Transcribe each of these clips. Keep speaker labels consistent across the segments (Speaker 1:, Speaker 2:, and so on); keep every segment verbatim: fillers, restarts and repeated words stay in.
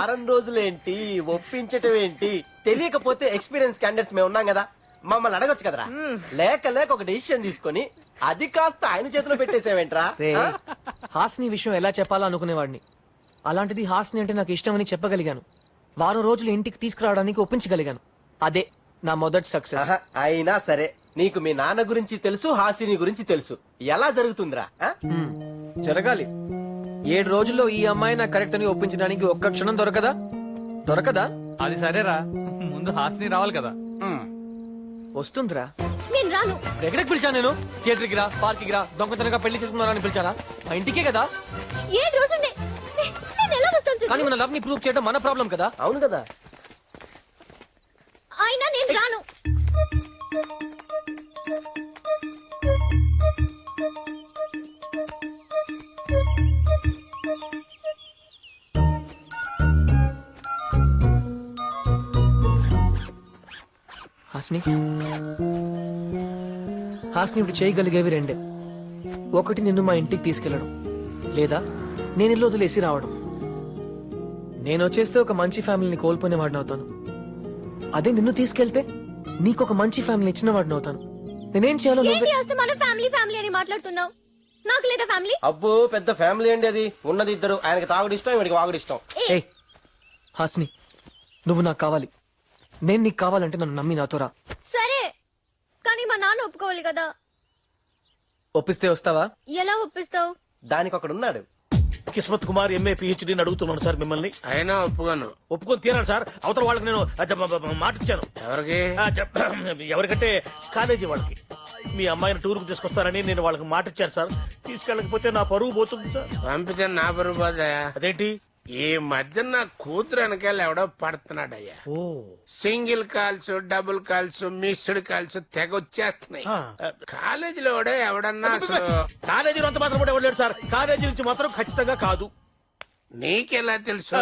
Speaker 1: వారం రోజులేంటి ఒప్పించటం ఏంటి తెలియకపోతే ఎక్స్పీరియన్స్ క్యాండిడేట్స్ మేము ఉన్నాం కదా మమ్మల్ని అడగొచ్చు కదరా లేక లేక ఒక డెసిషన్ తీసుకొని అది కాస్త ఆయన చేతిలో పెట్టేసేవేంట్రా
Speaker 2: రే హాస్ని విషయం ఎలా చెప్పాలో అనుకునేవాడిని. అలాంటిది హాస్ని అంటే నాకు ఇష్టమని చెప్పగలిగాను. వారం రోజులు ఇంటికి తీసుకురావడానికి ఒప్పించగలిగాను. అదే నా మొదటి సక్సెస్.
Speaker 1: ఆహా, అయినా సరే నీకు మీ నాన్న గురించి తెలుసు హాసిని గురించి తెలుసు ఎలా జరుగుతుందిరా ఆ?
Speaker 2: హ్మ్, జరగాలి. ఏడు రోజుల్లో ఈ అమ్మాయి నాకు కరెక్ట్ అని ఒప్పించడానికి ఒక్క క్షణం దొరకదా దొరకదా
Speaker 3: అది సరేరా, ముందు హాస్ని రావాలి కదా.
Speaker 2: వస్తుందిరా.
Speaker 4: నేను రాను.
Speaker 2: ఎక్కడికి పిలిచాను నేను? థియేటర్కి రా, పార్క్కి రా, దొంగతనంగా పెళ్లి చేసుకున్నారని పిలిచారా? మా ఇంటికే కదా.
Speaker 4: ఏ రోజు నే- నే- నేను ఎలా వస్తాను సిద్ధు?
Speaker 2: కానీ మన లవ్ ని ప్రూవ్ చేయడం మన ప్రాబ్లం కదా.
Speaker 1: అవును కదా.
Speaker 4: అయినా నేను రాను.
Speaker 2: హాస్ని హాస్ని ఇప్పుడు చేయగలిగేవి రెండే. ఒకటి నిన్ను మా ఇంటికి తీసుకెళ్లడం, లేదా నేను ఇల్లు వదిలేసి రావడం. నేను వచ్చేస్తే ఒక మంచి ఫ్యామిలీని కోల్పోయిన వాడిని అవుతాను. అదే నిన్ను తీసుకెళ్తే నీకు ఒక మంచి ఫ్యామిలీ ఇచ్చిన వాడిని అవుతాను. నేనేం చేయాలో
Speaker 4: ఏంటి
Speaker 2: నువ్వే.
Speaker 4: వస్తే మనం ఫ్యామిలీ ఫ్యామిలీ అని మాట్లాడుతున్నావు? నాకు లేదా ఫ్యామిలీ?
Speaker 1: అబ్బో పెద్ద ఫ్యామిలీ అండి అది. ఉన్నది ఇద్దరు, ఆయనకి తాగుడు ఇష్టం, వీడికి వాగుడు ఇష్టం.
Speaker 2: ఏయ్ హాస్ని, నువ్వు నాకు కావాలి. నేను నీకు కావాలంటే నన్ను నమ్మి నాతో రా.
Speaker 4: సరే, కానీ మా నాన్న ఒప్పుకోవాలి కదా.
Speaker 2: ఒప్పిస్తే వస్తావా?
Speaker 4: ఎలా ఒప్పిస్తావు?
Speaker 1: దానికి ఒకడు ఉన్నాడు.
Speaker 5: కిస్మత్ కుమార్ ఎంఏ పిహెచ్డీని అడుగుతున్నాను సార్ మిమ్మల్ని.
Speaker 6: అయినా ఒప్పుకోను.
Speaker 5: ఒప్పుకొని తీరాలి సార్. అవతల వాళ్ళకి నేను ఆ, జ- బ- బ- మాట ఇచ్చాను.
Speaker 6: ఎవరికి?
Speaker 5: ఆ, జ- ఎవరికంటే కాలేజీ వాళ్ళకి. మీ అమ్మాయిని టూర్ కు తీసుకొస్తానని నేను వాళ్ళకి మాట ఇచ్చాను సార్. తీసుకెళ్ళకపోతే నా పరువు పోతుంది సార్.
Speaker 6: పంపితే నా బరువు పోతాయా?
Speaker 5: అదేంటి?
Speaker 6: ఈ మధ్య నా కూతురు వెనకాల ఎవడో పడుతున్నాడయ్యా.
Speaker 5: ఓ
Speaker 6: single calls, double calls, missed calls తెగ వచ్చేస్తున్నాయి.
Speaker 5: ఆ,
Speaker 6: కాలేజీలో కూడా ఎవడన్నా అసలు
Speaker 5: కాలేజీలో అంత మాత్రం కూడా ఇవ్వలేడు సార్. కాలేజీ నుంచి మాత్రం ఖచ్చితంగా కాదు.
Speaker 6: నీకెలా తెలుసు?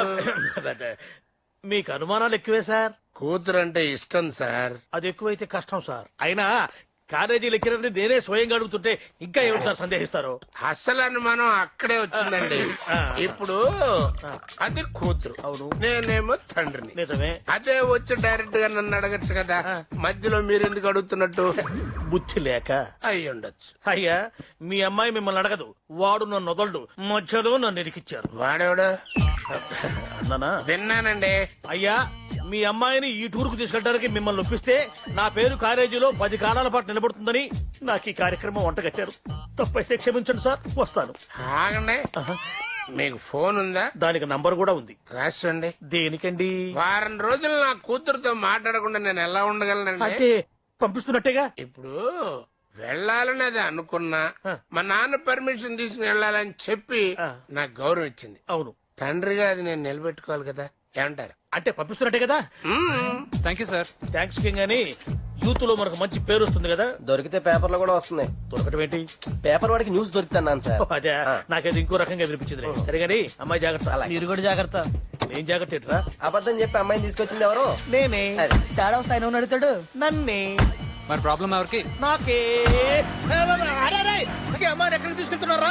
Speaker 5: మీకు అనుమానాలు ఎక్కువే సార్.
Speaker 6: కూతురు అంటే ఇష్టం సార్.
Speaker 5: అది ఎక్కువైతే కష్టం సార్. అయినా కాలేజీ లెక్చరర్ని నేనే స్వయంగా అడుగుతుంటే ఇంకా ఏమిటి సార్ సందేహిస్తారు?
Speaker 6: అసలు అనుమానం అక్కడే వచ్చిందండి. ఇప్పుడు అది కూతురు,
Speaker 5: అవును.
Speaker 6: నేనేమో తండ్రిని.
Speaker 5: నిజమే.
Speaker 6: అదే వచ్చి డైరెక్ట్ గా నన్ను అడగచ్చు కదా. మధ్యలో మీరు ఎందుకు అడుగుతున్నట్టు?
Speaker 5: బుద్ధి లేక
Speaker 6: అయి ఉండొచ్చు.
Speaker 5: అయ్యా, మీ అమ్మాయి మిమ్మల్ని అడగదు. వాడు నన్ను వదలడు. మధ్యలో నన్ను ఇరికిచ్చారు.
Speaker 6: వాడేవాడు?
Speaker 5: అన్నానా?
Speaker 6: విన్నానండి.
Speaker 5: అయ్యా, మీ అమ్మాయిని ఈ టూర్ కు తీసుకెళ్ళడానికి మిమ్మల్ని ఒప్పిస్తే నా పేరు కాలేజీలో పది కాలాల పాటు నిలబడుతుందని నాకు ఈ కార్యక్రమం వంటగట్టారు. తప్పైతే క్షమించండి సార్. వస్తాను.
Speaker 6: ఆగండి. మీకు ఫోన్ ఉందా?
Speaker 5: దానికి నంబర్ కూడా ఉంది.
Speaker 6: రాసండి.
Speaker 5: దేనికండి?
Speaker 6: వారం రోజులు నా కూతురుతో మాట్లాడకుండా నేను ఎలా ఉండగలనండి?
Speaker 5: అంటే పంపిస్తున్నట్టేగా.
Speaker 6: ఇప్పుడు వెళ్ళాలని అది అనుకున్నా, మా నాన్న పర్మిషన్ తీసుకుని వెళ్ళాలని చెప్పి నాకు గౌరవం ఇచ్చింది.
Speaker 5: అవును.
Speaker 6: తండ్రిగా అది నేను నిలబెట్టుకోవాలి కదా. ఏమంటారు?
Speaker 5: అంటే పంపిస్తున్నట్టే కదా.
Speaker 3: Thank you sir.
Speaker 5: Thanks king అని యూత్ లో మనకు మంచి పేరు వస్తుంది కదా.
Speaker 1: దొరికితే పేపర్లో కూడా వస్తున్నాయి.
Speaker 5: దొరకటం ఏంటి?
Speaker 1: పేపర్ వాడికి న్యూస్ దొరుకుతున్నాను సార్.
Speaker 5: ఓ, అదే నాకేది ఇంకో రకంగా వినిపించింది. సరేగాని అమ్మాయి జాగ్రత్త.
Speaker 1: మీరు కూడా జాగ్రత్త.
Speaker 5: నేను జాగ్రత్త ఏంట్రా?
Speaker 1: అబద్ధం చెప్పి అమ్మాయిని తీసుకొచ్చింది ఎవరు?
Speaker 5: నేనే.
Speaker 1: అది.
Speaker 7: తేడా వస్తాయి నువ్వు నడుతాడు.
Speaker 5: నన్నే.
Speaker 3: మరి ప్రాబ్లం ఎవరికి?
Speaker 5: నాకే. అరే, అరే, అరే, అమ్మాయిని ఎక్కడికి తీసుకెళ్తున్నారా?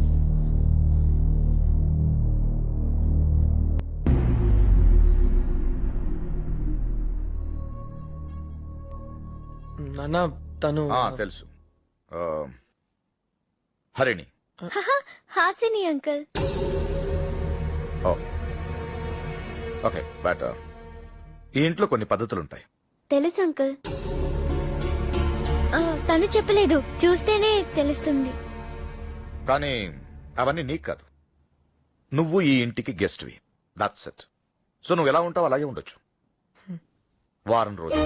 Speaker 2: నాన్న తను
Speaker 8: ఆ, తెలుసు. ఆ, Harini.
Speaker 4: Hasini uncle.
Speaker 8: Oh okay. But ఈ ఇంట్లో కొన్ని పద్ధతులుంటాయి.
Speaker 4: తెలుసు అంకుల్. ఆ, తను చెప్పలేదు, చూస్తేనే తెలుస్తుంది.
Speaker 8: కానీ అవన్నీ నీకు కాదు. నువ్వు ఈ ఇంటికి గెస్ట్వి. That's it. సో నువ్వు ఎలా ఉంటావు అలాగే ఉండొచ్చు. వారం రోజులు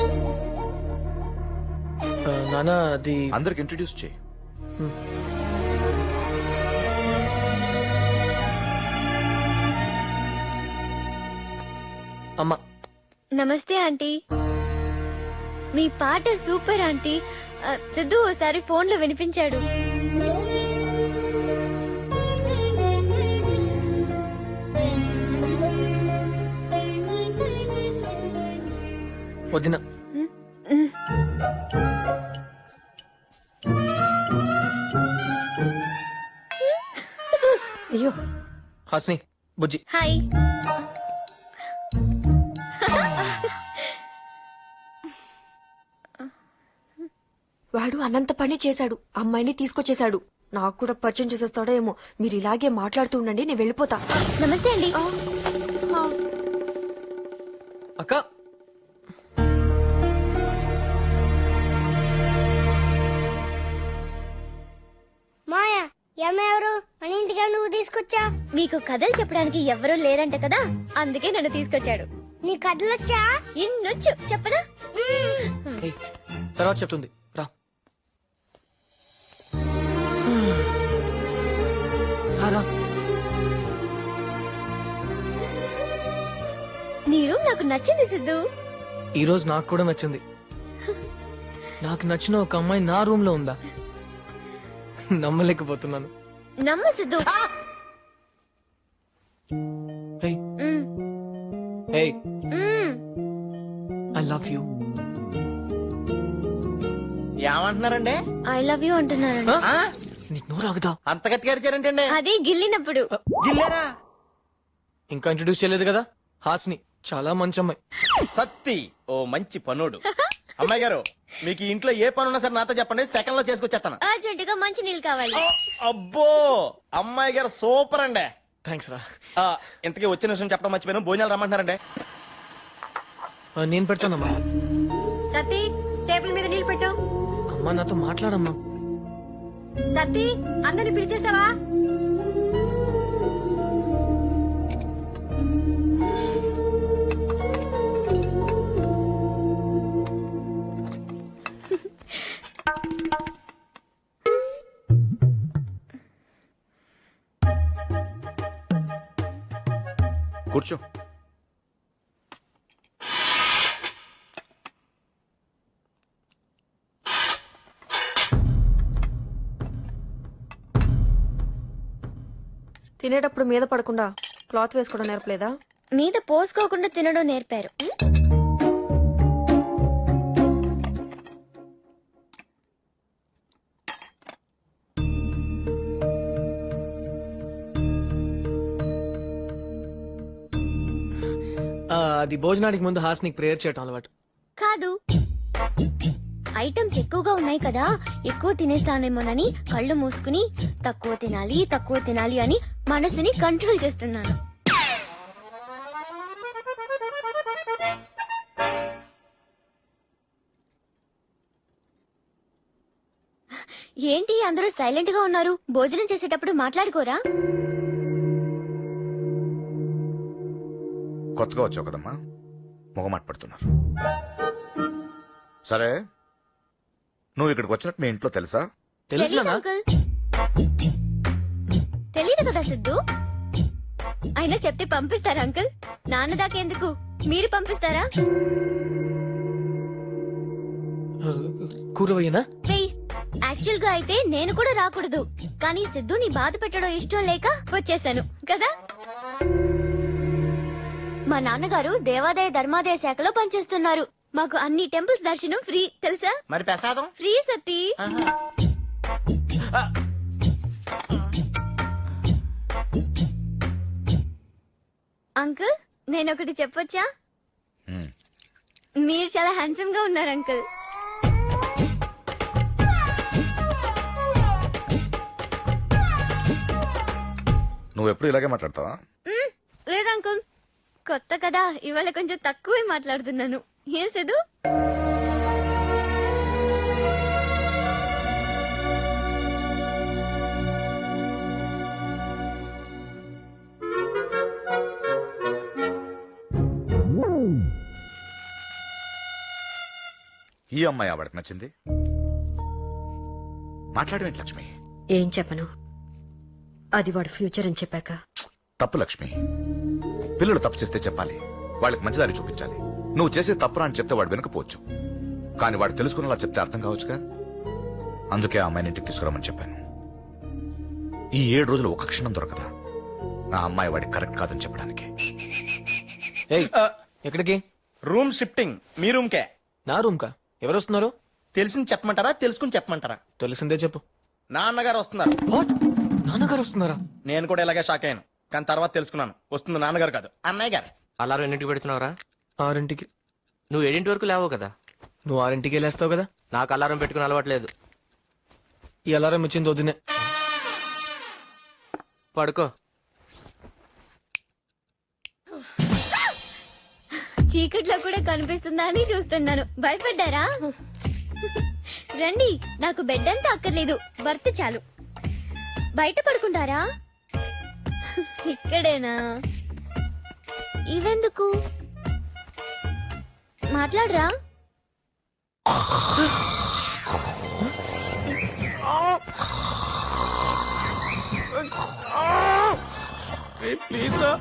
Speaker 2: ఆ, నాన్న అది
Speaker 8: అందరికి ఇంట్రడ్యూస్ చేయి.
Speaker 2: అమ్మ.
Speaker 4: నమస్తే ఆంటీ. మీ పాట సూపర్ ఆంటీ. ఆ, సిద్ధు ఓసారి ఫోన్ లో వినిపించాడు.
Speaker 2: వదిన.
Speaker 4: అయ్యో.
Speaker 2: హాస్ని, బుజ్జి.
Speaker 4: హాయ్.
Speaker 7: వాడు అనంత పని చేశాడు, అమ్మాయిని తీసుకొచ్చేశాడు. నాకు కూడా పరిచయం చేసేస్తాడో ఏమో. మీరు ఇలాగే మాట్లాడుతూ ఉండండి, నేను వెళ్ళిపోతా.
Speaker 4: నమస్తే అండి.
Speaker 7: ఆ, ఆ.
Speaker 2: అక్క
Speaker 9: మాయా ఎవరు మన ఇంటికి నువ్వు తీసుకొచ్చా?
Speaker 4: మీకు కథలు చెప్పడానికి ఎవరూ లేరంట కదా, అందుకే నన్ను తీసుకొచ్చాడు.
Speaker 9: నీ కథలొచ్చా?
Speaker 4: ఇన్నొచ్చు చెప్పదా?
Speaker 2: ఏయ్, తర్వాత చెప్తుంది రా. రా, రా.
Speaker 4: నీ రూమ్ నాకు నచ్చింది సిద్ధు.
Speaker 2: ఈ రోజు నాకు కూడా నచ్చింది. నాకు నచ్చిన ఒక అమ్మాయి నా రూమ్ లో ఉందా? నమ్మలేకపోతున్నాను.
Speaker 4: నమ్మ సిద్ధు.
Speaker 2: ఏయ్,
Speaker 4: మ్,
Speaker 2: ఏయ్,
Speaker 4: మ్.
Speaker 2: I love you.
Speaker 1: ఏమంటున్నారండి?
Speaker 4: ఐ లవ్ యూ అంటున్నానండి.
Speaker 1: ఆ?
Speaker 2: నీకు నోరు ఆగుదా?
Speaker 1: అంత గట్టిగా అరిచారంటండి?
Speaker 4: అది గిల్లినప్పుడు.
Speaker 1: గిల్లారా?
Speaker 2: ఇంకా ఇంట్రడ్యూస్ చేయలేదు కదా. హాస్ని చాలా మంచి అమ్మాయి.
Speaker 1: సత్తి ఓ మంచి పనుడు. అమ్మాయి గారు, మీకు ఈ ఇంట్లో ఏ పని ఉన్నా సరే నాతో చెప్పండి, సెకండ్ లో చేసుకొచ్చేస్తాను.
Speaker 4: అర్జెంట్ గా మంచి నీళ్ళు కావాలి.
Speaker 1: అబ్బో అమ్మాయి గారు సూపర్ అండి.
Speaker 2: థ్యాంక్స్ రా.
Speaker 1: ఆ, ఇంతకీ వచ్చిన విషయం చెప్పడం మర్చిపోయాను, భోజనాలు రమ్మంటున్నారండి.
Speaker 2: ఆ, నేను పెడతానమ్మా.
Speaker 4: సతీ టేబుల్ మీద నీళ్ళు పెట్టు.
Speaker 2: అమ్మా నాతో మాట్లాడమ్మా.
Speaker 4: సతీ అందరిని పిలిచేసావా?
Speaker 8: కూర్చో.
Speaker 7: తినేటప్పుడు మీద పడకుండా క్లాత్ వేసుకోవడం నేర్పలేదా?
Speaker 4: మీద పోసుకోకుండా తినడం నేర్పారు.
Speaker 2: ఆ, అది భోజనానికి ముందు హాస్నికి ప్రేయర్ చేయటం అలవాటు.
Speaker 4: కాదు, ఐటమ్స్ ఎక్కువగా ఉన్నాయి కదా, ఎక్కువ తినేస్తానేమోనని కళ్ళు మూసుకుని తక్కువ తినాలి తక్కువ తినాలి అని మనసుని కంట్రోల్ చేస్తున్నాను. ఏంటి అందరూ సైలెంట్ గా ఉన్నారు? భోజనం చేసేటప్పుడు మాట్లాడుకోరా?
Speaker 8: కొత్తగా వచ్చావు కదమ్మా, మొగమాట పడుతున్నారు. సరే, నువ్వు ఇక్కడికి వచ్చినట్టు మీ ఇంట్లో తెలుసా?
Speaker 4: తెలీదు
Speaker 2: తెలుసునా?
Speaker 4: అంకుల్. తెలీదు కదా సిద్ధు. అయినా చెప్తే పంపిస్తారా అంకుల్? నాన్న దాకెందుకు, మీరు పంపిస్తారా?
Speaker 2: కూరవయ్యనా?
Speaker 4: యాక్చువల్ గా అయితే నేను కూడా రాకూడదు, కానీ సిద్ధుని బాధ పెట్టడం ఇష్టం లేక వచ్చేసాను కదా. మా నాన్నగారు దేవాదాయ ధర్మాదాయ శాఖలో పనిచేస్తున్నారు. మాకు అన్ని టెంపుల్స్ దర్శనం ఫ్రీ తెలుసా?
Speaker 1: మరి ప్రసాదం?
Speaker 4: ఫ్రీ సతీ. అంకుల్ నేను ఒకటి చెప్పొచ్చా?
Speaker 8: హ్మ్.
Speaker 4: మీరు చాలా హ్యాండ్సమ్ గా ఉన్నారు అంకుల్.
Speaker 8: నువ్వు ఎప్పుడు ఇలాగే మాట్లాడతావా?
Speaker 4: మ్, లేదు అంకుల్, కొత్త కదా ఇవాళ కొంచెం తక్కువే మాట్లాడుతున్నాను. ఏం సిద్ధు?
Speaker 8: ఈ అమ్మాయి ఆవిడకి నచ్చింది. మాట్లాడమేంటి లక్ష్మి?
Speaker 7: ఏం చెప్పను, అది వాడు ఫ్యూచర్ అని చెప్పాక.
Speaker 8: తప్పు లక్ష్మి. పిల్లలు తప్పు చేస్తే చెప్పాలి, వాళ్ళకి మంచిదారి చూపించాలి. నువ్వు చేసే తప్పురా అని చెప్తే వాడు వినకపోవచ్చు, కానీ వాడు తెలుసుకునేలా చెప్తే అర్థం కావచ్చుగా. అందుకే ఆ అమ్మాయిని ఇంటికి తీసుకురామని చెప్పాను. ఈ ఏడు రోజులు ఒక క్షణం దొరకదా ఆ అమ్మాయి వాడికి కరెక్ట్ కాదని చెప్పడానికి.
Speaker 2: ఏయ్, ఎక్కడికి?
Speaker 1: Room shifting. మీ రూమ్ కే.
Speaker 2: నా రూమ్ కా? ఎవరు వస్తున్నారు?
Speaker 1: తెలిసింది చెప్పమంటారా, తెలుసుకుని చెప్పమంటారా?
Speaker 2: తెలిసిందే చెప్పు.
Speaker 1: నాన్నగారు వస్తున్నారు.
Speaker 2: వాట్? నాన్నగారు వస్తున్నారా?
Speaker 1: నేను కూడా ఇలాగే షాక్ అయ్యాను, కానీ తర్వాత తెలుసుకున్నాను వస్తుంది నాన్నగారు కాదు అన్నయ్య గారు.
Speaker 10: అలారం ఎన్నింటికి పెడుతున్నావురా?
Speaker 2: ఆరింటికి.
Speaker 10: నువ్వు ఏడింటి వరకు లేవో కదా.
Speaker 2: నువ్వు ఆరింటికి వెళ్ళేస్తావు కదా.
Speaker 1: నాకు అలారం పెట్టుకుని అలవాట్లేదు.
Speaker 2: ఈ అలారం ఇచ్చింది వద్దునే.
Speaker 1: పడుకో.
Speaker 4: చీకట్లో కూడా కనిపిస్తుందా అని చూస్తున్నాను. భయపడ్డారా? రండి, నాకు బెడ్ అంతా అక్కర్లేదు, బర్త్ చాలు. బయట పడుకుంటారా? ఇక్కడేనా? ఇవెందుకు? మాట్లాడరా?
Speaker 1: ప్లీజ్ రా.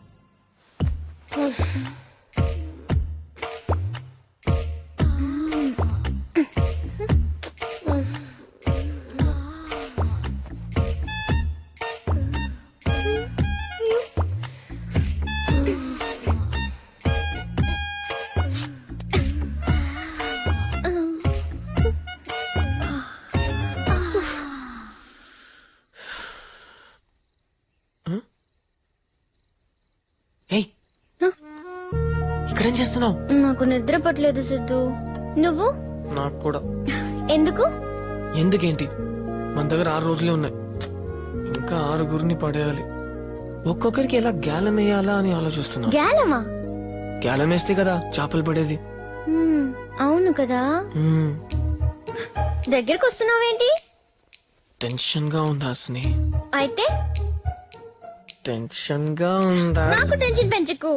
Speaker 2: ఏయ్, ఇక్కడేం చేస్తున్నావు?
Speaker 4: నాకు నిద్ర పట్టలేదు సిద్ధు. నువ్వు?
Speaker 2: నాకు కూడా.
Speaker 4: ఎందుకు?
Speaker 2: ఎందుకేంటి, మన దగ్గర ఆరు రోజులే ఉన్నాయి, ఇంకా ఆరుగురిని పడేయాలి. ఒక్కొక్కరికి ఎలా గ్యాలం వేయాలా అని ఆలోచిస్తున్నా.
Speaker 4: గ్యాలమా?
Speaker 2: గ్యాలం వేస్తే కదా చేపలు పడేది.
Speaker 4: హ్మ్, అవును కదా.
Speaker 2: మ్మ్.
Speaker 4: దగ్గరకు వస్తున్నావేంటి?
Speaker 2: టెన్షన్ గా ఉందా స్నే?
Speaker 4: అయితే
Speaker 2: టెన్షన్ గా ఉందా?
Speaker 4: నాకు టెన్షన్ పెంచకు.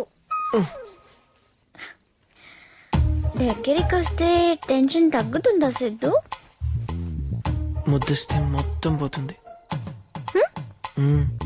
Speaker 4: దగ్గరికి వస్తే టెన్షన్ తగ్గుతుందా సిద్ధు?
Speaker 2: ముద్దిస్తే మొత్తం పోతుంది. మ్మ్.